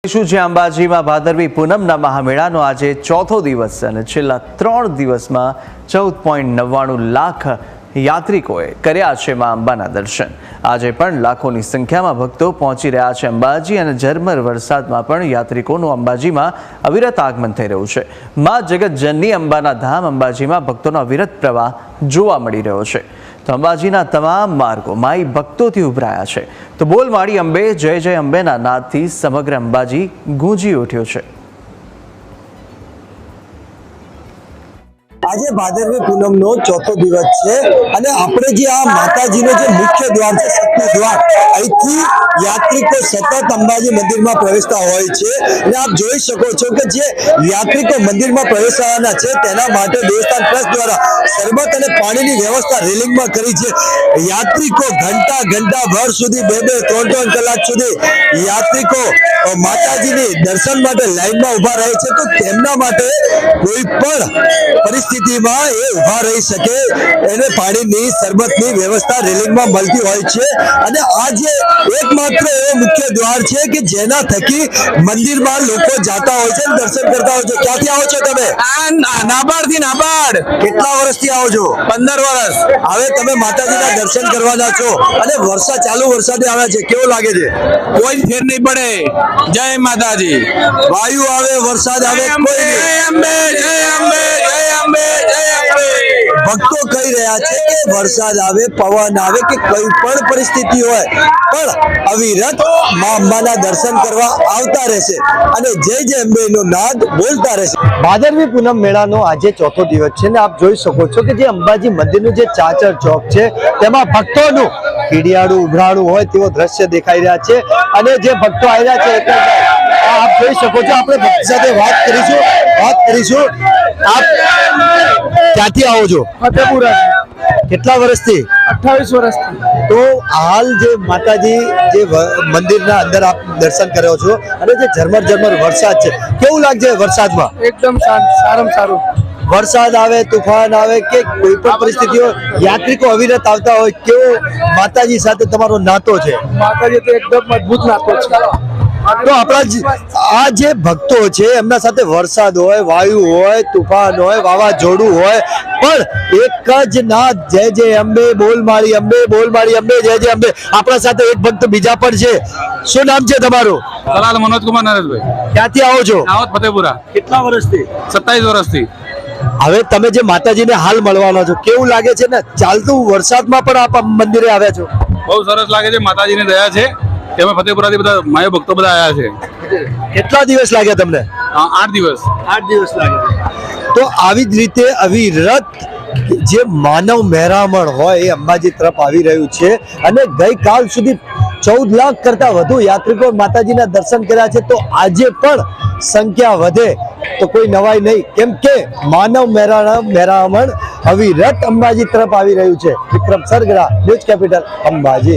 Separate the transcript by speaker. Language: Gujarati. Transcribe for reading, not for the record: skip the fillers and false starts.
Speaker 1: જે અંબાજીમાં ભાદરવી પૂનમના મહામેળાનો આજે ચોથો દિવસ છે અને છેલ્લા 3 દિવસમાં 14.99 લાખ યાત્રિકોએ કર્યા છે માં અંબાના દર્શન। આજે પણ લાખોની સંખ્યામાં ભક્તો પહોંચી રહ્યા છે અંબાજી અને ઝરમર વરસાદમાં પણ યાત્રિકોનું અંબાજીમાં અવિરત આગમન થઈ રહ્યું છે। માં જગતજનની અંબાના ધામ અંબાજીમાં ભક્તોનો અવિરત પ્રવાહ જોવા મળી રહ્યો છે। તો અંબાજીના તમામ માર્ગો માઈ ભક્તોથી ઉભરાયા છે। તો બોલ માડી અંબે જય જય અંબેના નાદથી સમગ્ર અંબાજી ગૂંજી ઉઠ્યો છે।
Speaker 2: આજે ભાદરવી પૂનમનો ચોથો દિવસ છે અને આપણે જે આ માતાજીનો જે મુખ્ય દ્વાર છે શક્તિ દ્વાર, અહીંથી યાત્રિકો સતત અંબાજી મંદિરમાં પ્રવેશતા હોય છે અને આપ જોઈ શકો છો કે જે યાત્રિકો મંદિરમાં પ્રવેશવાના છે તેના માટે દેવસ્થાન ટ્રસ્ટ દ્વારા શરબત અને પાણીની વ્યવસ્થા રેલિંગમાં કરી છે। યાત્રિકો ઘંટા ભર સુધી 2-3 કલાક સુધી યાત્રિકો માતાજીની દર્શન માટે લાઈનમાં ઉભા રહે છે। તો તેમના માટે કોઈ પણ પરિસ્થિતિમાં એ ઉભા રહી શકે એને પાણીની શરબતની વ્યવસ્થા રેલિંગમાં મળતી હોય છે અને આ જે એકમાત્ર એવો મુખ્ય દ્વાર છે કે જેના થકી મંદિરમાં લોકો જાતા હોય છે, દર્શન કરતા હોય છે। ક્યાંથી આવો છો તમે?
Speaker 3: નાબાર્ડ।
Speaker 2: કેટલા વર્ષથી આવો છો?
Speaker 3: 15 વર્ષ।
Speaker 2: હવે તમે માતાજીના દર્શન કરવાના છો અને ચાલુ વરસાદે આવ્યા છે, કેવું લાગે છે?
Speaker 3: કોઈ ફેર નહીં પડે। જય માતાજી।
Speaker 2: વાયુ આવે વરસાદ આવે ભક્તો કહી રહ્યા છે કે વરસાદ આવે પવન આવે કે કોઈ પણ પરિસ્થિતિ હોય પણ અવિરત માં અંબાના દર્શન કરવા આવતા રહેશે અને જય જય અંબેનો નાદ બોલતા રહેશે। ભાદરવી પૂનમ મેળાનો આજે ચોથો દિવસ છે ને આપ જોઈ શકો છો કે જે અંબાજી મંદિરનું જે ચાચર ચોક છે તેમાં ભક્તોનું કીડિયાળું ઉભરાણું હોય તેવો દ્રશ્ય દેખાઈ રહ્યા છે અને જે ભક્તો આવ્યા છે આપ જોઈ શકો છો। આપણે ભક્ત સાથે વાત કરીશું। આપ ક્યાંથી આવો છો?
Speaker 4: ફતેપુરા।
Speaker 2: કેટલા વર્ષથી?
Speaker 4: 28 વર્ષથી।
Speaker 2: તો હાલ જે માતાજી જે મંદિરના અંદર આપ દર્શન કર્યો છો અને જે ઝરમર વરસાદ છે, કેવું લાગે વરસાદમાં?
Speaker 4: એકદમ શાંત, સારામાં સારું।
Speaker 2: વરસાદ આવે તુફાન આવે કે કોઈ પણ પરિસ્થિતિઓ યાત્રિકો અવિરત આવતા હોય, કેવો માતાજી સાથે તમારો નાતો છે?
Speaker 4: માતાજી તો એકદમ મજબૂત નાતો છે।
Speaker 2: તો આપણા આ જે ભક્તો છે એમના સાથે વરસાદ હોય, વાયુ હોય, તુફાન હોય, વાવાઝોડું હોય પણ એક જ નાદ જય જય અંબે બોલ મારી અંબે જય જય અંબે। આપણા સાથે એક ભક્ત બીજા પણ છે, શું નામ છે તમારું?
Speaker 3: સલાલ મનોજ કુમાર નરેશભાઈ।
Speaker 2: ક્યાંથી આવો છો?
Speaker 3: દાહોદ ફતેપુરા।
Speaker 2: કેટલા વર્ષથી?
Speaker 3: 27 વર્ષથી।
Speaker 2: હવે તમે જે માતાજીને હાલ મળવાના છો, કેવું લાગે છે ને ચાલતું વરસાદમાં પણ આપ મંદિરે આવ્યા છો?
Speaker 3: બહુ સરસ લાગે છે, માતાજીની દયા છે કે અમે ફતેપુરાથી બધા માય ભક્તો બધા આવ્યા છે।
Speaker 2: કેટલા દિવસ લાગ્યા તમને?
Speaker 3: 8 દિવસ।
Speaker 2: 8 દિવસ લાગ્યા। તો આવી જ રીતે અવિરત જે માનવ મહેરામણ હોય એ અંબાજી તરફ આવી રહ્યું છે અને ગઈકાલ સુધી 14 લાખ કરતા વધુ યાત્રિકો માતાજીના દર્શન કર્યા છે। તો આજે પણ સંખ્યા વધે તો કોઈ નવાઈ નહીં, કેમ કે માનવ મહેરામણ અવિરત અંબાજી તરફ આવી રહ્યું છે। Vikram Sargara, news capital, Ambaji.